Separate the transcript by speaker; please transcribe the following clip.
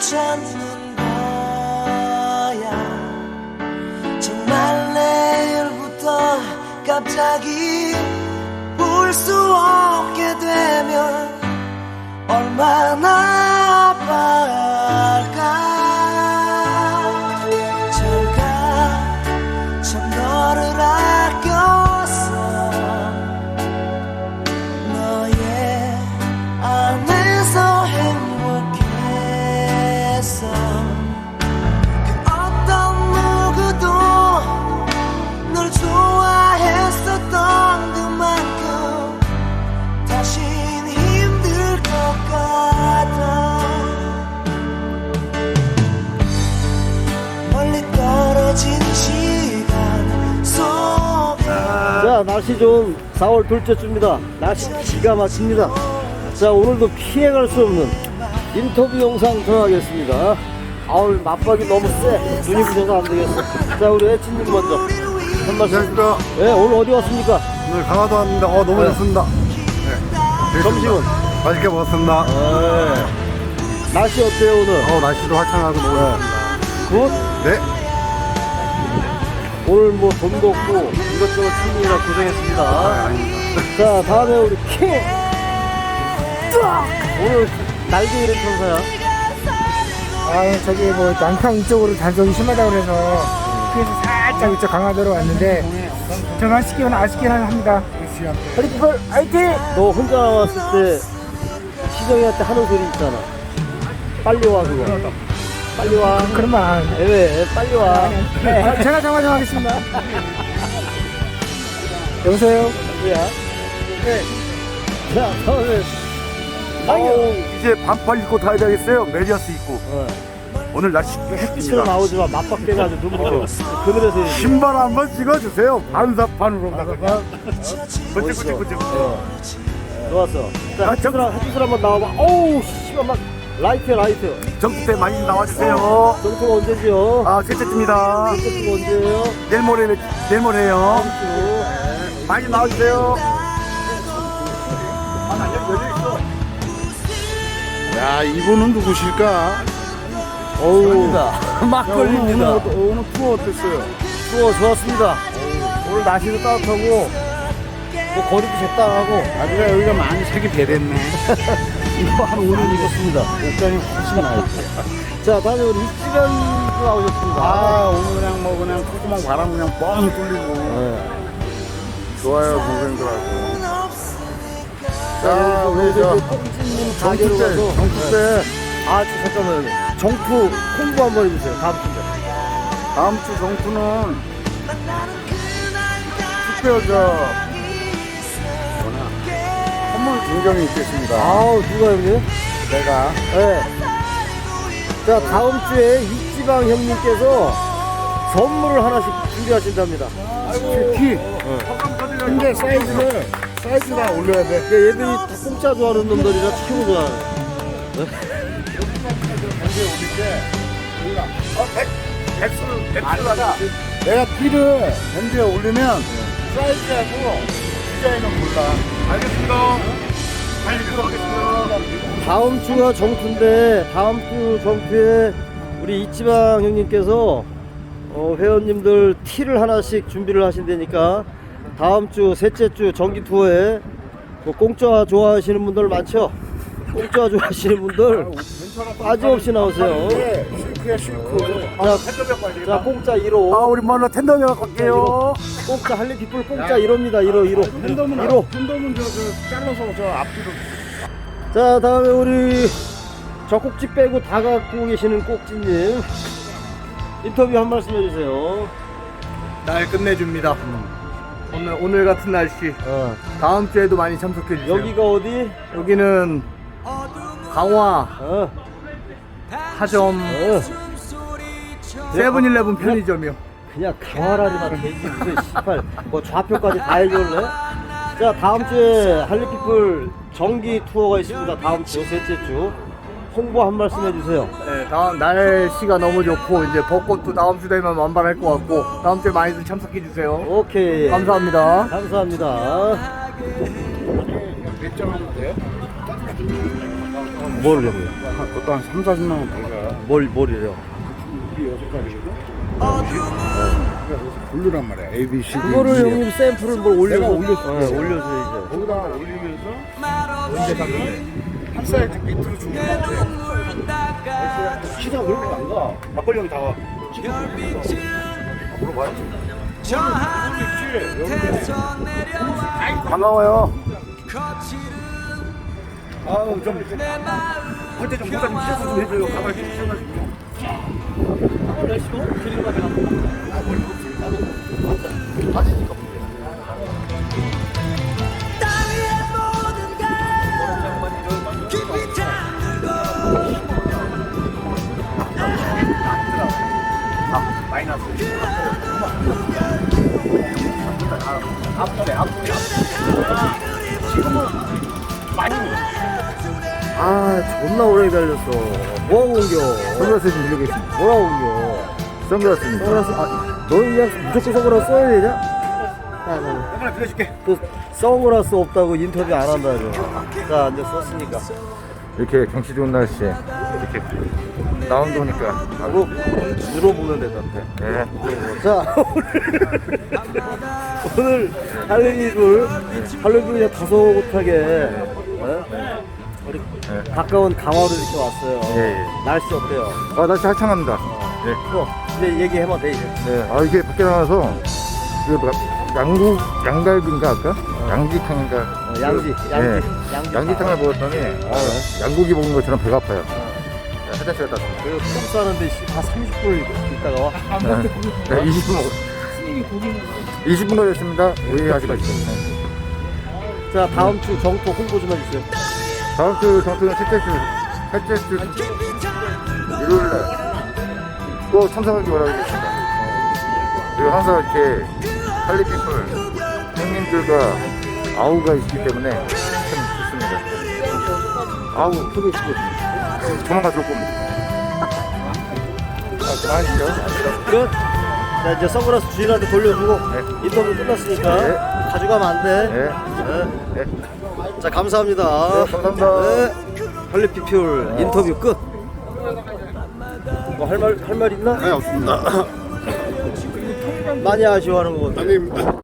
Speaker 1: 찾는 거야. 정말 내일부터 갑자기 울 수 없게 되면 얼마나 아파할까. 잘가 참 너를 아꼈어. 너의 안에서 행복했어. 그 어떤 누구도 널 좋아했었던 그만큼 다신 힘들 것 같아. 멀리 떨어진 시간 속에.
Speaker 2: 자, 날씨 좋은 4월 둘째 주입니다. 날씨 기가 막힙니다. 자, 오늘도 피해갈 수 없는 인터뷰 영상 들어가겠습니다. 아우, 맞박이 너무 세. 눈이 부셔서 안 되겠어. 자, 우리 애친님 먼저 한 말씀.
Speaker 3: 안녕하십니까.
Speaker 2: 네, 오늘 어디 왔습니까?
Speaker 3: 오늘 강화도 왔는데 너무
Speaker 2: 네.
Speaker 3: 좋습니다. 네.
Speaker 2: 점심은?
Speaker 3: 맛있게 먹었습니다.
Speaker 2: 네. 날씨 어때요 오늘?
Speaker 3: 날씨도 화창하고 너무 좋습니다.
Speaker 2: 굿?
Speaker 3: 네.
Speaker 2: 오늘 뭐 돈도 없고 이것저것 챙기느라 고생했습니다. 자, 다음에 우리 킹! 뚜악! 오늘 날개 잃은 천사야.
Speaker 4: 저기 뭐 남평 이쪽으로 단속이 심하다고 그래서 그래서 살짝 이쪽 강화도로 왔는데 좀 아쉽긴 합니다.
Speaker 2: 허리펄 화이팅! 너 혼자 왔을 때 시정이한테 하는 소리 있잖아. 빨리 와 그거. 빨리 와.
Speaker 4: 그런 말 안 하는데.
Speaker 2: 왜? 빨리 와.
Speaker 4: 제가 정하겠습니다. 여보세요?
Speaker 2: 누구야? 네. 자, 다음에
Speaker 3: 이제 반팔 입고 타야 되겠어요. 메리어스 입고. 오늘 날씨
Speaker 2: 빛으로
Speaker 3: 햇빛이라.
Speaker 2: 나오지만 맞박대가 아주 눈부셔. 그늘에서 해야지.
Speaker 3: 신발 한번 찍어주세요. 반사판으로. 번쩍번쩍번쩍.
Speaker 2: 좋았어. 자, 햇빛을 한번 나와봐. 어우, 씨발, 막, 라이트.
Speaker 3: 정부 때 많이 나와주세요.
Speaker 2: 정수가 언제지요?
Speaker 3: 셋째입니다.
Speaker 2: 정수가 언제예요?
Speaker 3: 내일 모레요. 많이 나와주세요. 야, 이분은 누구실까?
Speaker 2: 어우, 막걸리입니다.
Speaker 3: 오늘 투어 어땠어요?
Speaker 2: 추워, 좋았습니다. 오늘 날씨도 따뜻하고, 뭐 거리도 적당하고,
Speaker 3: 아주가 여기가 많이 색이 배됐네.
Speaker 2: 이거 한 5년 입었습니다. 옷장이 훨씬 나요. 자, 다음에 우리 이지간 나오셨습니다.
Speaker 3: 오늘 그냥 콧구멍 바람 그냥 뻥 뚫리고.
Speaker 2: 네.
Speaker 3: 좋아요, 동생들하고.
Speaker 2: 자, 우리
Speaker 3: 저
Speaker 2: 꽁지님 가게로 가서.
Speaker 3: 정투 때
Speaker 2: 잠깐만요. 정투 홍보 한번 해주세요. 다음 주에.
Speaker 3: 다음 주 정투는 특별 선물 증정이 있겠습니다.
Speaker 2: 아우, 누가 형님?
Speaker 3: 내가
Speaker 2: 네. 자, 다음 주에 이지방 형님께서 선물을 하나씩 준비하신답니다.
Speaker 3: 특히 근데 사이즈가 올려야 돼.
Speaker 2: 그러니까 얘들이 다 공짜 좋아하는 놈들이라 치킨을 좋아하는.
Speaker 3: 내가 티를 밴드에 올리면 사이즈하고 디자인은 몰라. 알겠습니다. 빨리 들어가겠습니다.
Speaker 2: 다음 주가 정투인데 다음 주 정투에 우리 이지방 형님께서 회원님들 티를 하나씩 준비를 하신다니까 다음 주 셋째 주 정기 투어에 뭐 공짜 좋아하시는 분들 많죠? 공짜 좋아하시는 분들 빠짐없이 나오세요. 자, 공짜 1호.
Speaker 3: 우리 먼저 텐더녀 갖고 갈게요.
Speaker 2: 공짜 할리피플 공짜 1호입니다. 1호.
Speaker 3: 텐더는 잘라서 저 앞뒤로.
Speaker 2: 자, 다음에 우리 저 꼭지 빼고 다 갖고 계시는 꼭지님 인터뷰 한 말씀 해주세요.
Speaker 3: 날 끝내줍니다. 오늘 같은 날씨 다음 주에도 많이 참석해 주세요.
Speaker 2: 여기가 어디?
Speaker 3: 여기는 강화 하점 세븐일레븐 편의점이요.
Speaker 2: 그냥 강화라리만 되지 무슨 18 뭐 좌표까지 다 해줄래? 자, 다음 주에 할리피플 정기 투어가 있습니다. 다음 주 셋째 주 홍보 한 말씀 해주세요.
Speaker 3: 네, 다음 날씨가 너무 좋고 이제 벚꽃도 다음 주 되면 만발할 것 같고 다음 주에 많이들 참석해 주세요.
Speaker 2: 오케이.
Speaker 3: 감사합니다.
Speaker 2: 감사합니다.
Speaker 3: 몇 점 하면 돼요?
Speaker 2: 뭐를 형님?
Speaker 5: 그것도 한 3, 40만 원 벌가.
Speaker 2: 뭘이래요?
Speaker 5: 우리 6가지거든? 블루란 말이야. A, B, C, D.
Speaker 2: 그거를 형님 샘플을 뭘 올려서
Speaker 5: 내가 올렸어.
Speaker 2: 올려서
Speaker 5: 거기다가 올리면서 언제 샀는데 한 사이즈 밑으로 주는 건데 시장 그렇게 안 가. 막걸리 형이 다 와.
Speaker 3: 반가워요.
Speaker 5: 아우 좀 할때 좀 모자 좀 찢어서 좀 해줘요. 가발 좀 찢어가지고.
Speaker 2: 아 존나 오래 기다렸어. 뭐하고 옮겨?
Speaker 3: 선글라스 좀 빌리겠습니다.
Speaker 2: 뭐라고 옮겨?
Speaker 3: 선글라스입니다.
Speaker 2: 선글라스 너는 그냥 무조건 선글라스 써야 되냐?
Speaker 5: 하나 빌려줄게.
Speaker 2: 또 선글라스 없다고 인터뷰 안 한다죠. 자 이제 썼으니까.
Speaker 3: 이렇게 경치 좋은 날씨에 이렇게 라운드 오니까
Speaker 2: 물어보면 되던데.
Speaker 3: 네.
Speaker 2: 자 오늘 할로윈을 그냥 다소곳하게 우리 가까운 강화로 이렇게 왔어요.
Speaker 3: 예.
Speaker 2: 날씨 어때요?
Speaker 3: 아 날씨 화창합니다. 네.
Speaker 2: 이제 얘기해봐 돼 이제.
Speaker 3: 네. 아 이게 밖에 나가서 양갈비인가 아까? 양지탕인가? 양지탕을 먹었더니 양고기 먹은 것처럼 배가 아파요. 화장실 갔다 왔습니다.
Speaker 2: 그똥 싸는데 다 30분 있다가 와.
Speaker 3: 네, 20분 먹었 20분 걸렸습니다. 오해하지 마시고.
Speaker 2: 자 다음 주 정토 홍보 좀 해주세요.
Speaker 3: 다음 주 정토는 셋째 주 일요일날 꼭 참석하기 바라겠습니다. 그리고 항상 이렇게 할리피플 형님들과 아우가 있기 때문에 참 좋습니다. 아우 소개해주고 조만간 들어올 겁니다. 그만하시죠.
Speaker 2: 끝. 자 이제 선글라스 주인한테 돌려주고 인터뷰 끝났으니까
Speaker 3: 네.
Speaker 2: 가져가면 안 돼.
Speaker 3: 네.
Speaker 2: 네. 자 감사합니다.
Speaker 3: 네, 감사합니다.
Speaker 2: 네. 할리피플 인터뷰 끝. 뭐 할 말 있나?
Speaker 5: 네 없습니다.
Speaker 2: 많이 아쉬워하는 거 같아.
Speaker 5: 아니